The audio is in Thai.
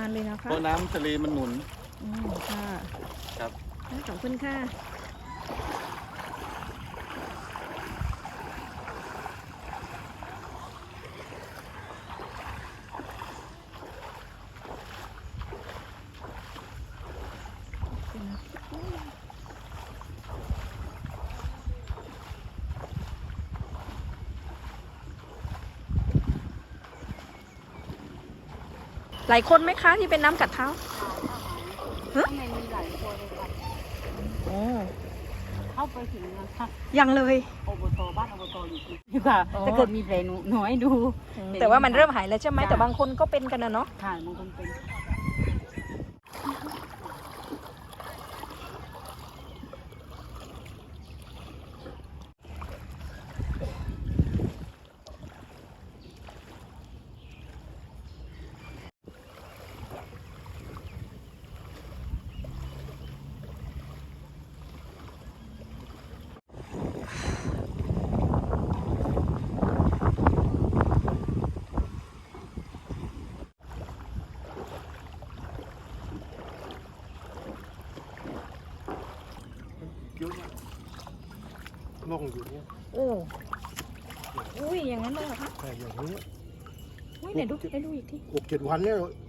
านเลยนะคะเพราะน้ำทะเลมันหนุนค่ะครับขอบคุณค่ะหลายคนไหมคะที่เป็นน้ำกัดเท้าข้างในมีหลายตัวเลยค่ะโอ้เข้าไปถึงนะคะยังเลยอบตบ้านอบตอยู่ที่ค่ะถ้าเกิดมีแผลหนูให้ดูแต่ว่ามันเริ่มหายแล้วใช่ไหมแต่บางคนก็เป็นกันนะเนาะค่ะบางคนเป็นเยอะมากล่องอยู่เนี่ยโอ้อุ้ยอย่างนั้นเลยเหรอคะแต่อย่างนี้อุ้ยไหนดูให้ดูอีกที 6-7 วันเนี่ย